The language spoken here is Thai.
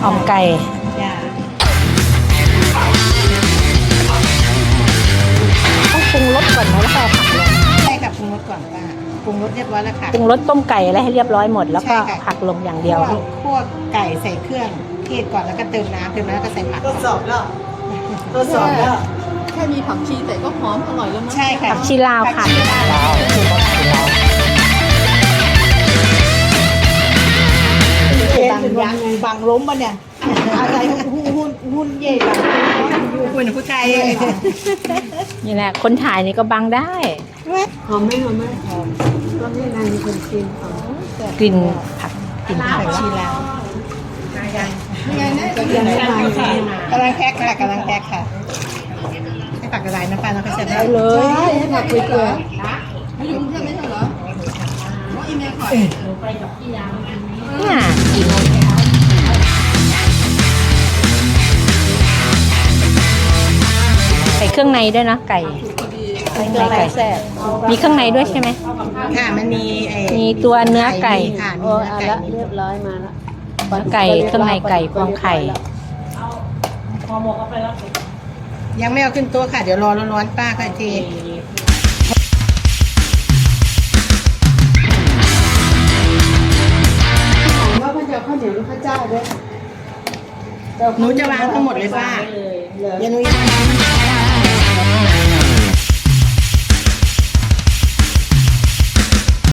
อมไก่จ้าต้องปรุงรสก่อนนะแล้วก็เอาผักลงใช่ค่ะปรุงรสก่อนป้าปรุงรสเรียบร้อยแล้วค่ะปรุงรสต้มไก่อะไรให้เรียบร้อยหมดแล้วก็ใช่ค่ะผักลงอย่างเดียวคั่วไก่ใส่เครื่องเทศก่อนแล้วก็เติมน้ำแล้วก็ใส่ผักทดสอบแล้วแค่มีผักชีแต่ก็หอมอร่อยแล้วมั้งใช่ค่ะผักชีลาวค่ะบางยักษ์บางล้มปะเนี่ยอะไรหุ้นเย่บางคุณผู้ชายนี่แหละคนถ่ายนี่ก็บังได้หอมไหมหอมไหมหอมก็ไม่นานมีคนกินหอมกลิ่นผักกลิ่นผักผักชีลาวยังไงนะจะกำลังแพ็คค่ะกำลังแพ็คค่ะให้ผักกระไรน้ำปลาแล้วก็ใส่ได้เลยให้ผักเปื่อยๆไม่ยุ่งใช่ไหมเหรอว่าอีเมลขอน่ากินใส่เครื่องในด้วยนะไก่เครื่องในไก่มีเครื่องในด้วยใช่ไหมค่ะมันมีมีตัวเนื้อไก่ค่ะมีโอ้เนื้อเอาไก่ละเรียบร้อยมาละเนื้อไก่เครื่องในไก่พวงไข่ยังไม่เอาขึ้นโต๊ะค่ะเดี๋ยวรอร้อนๆป้าก็ทีว่าพระเจ้าข้าวเหนียวหรือพระเจ้าด้วยหนูจะวางทั้งหมดเลยป้าอย่าหนู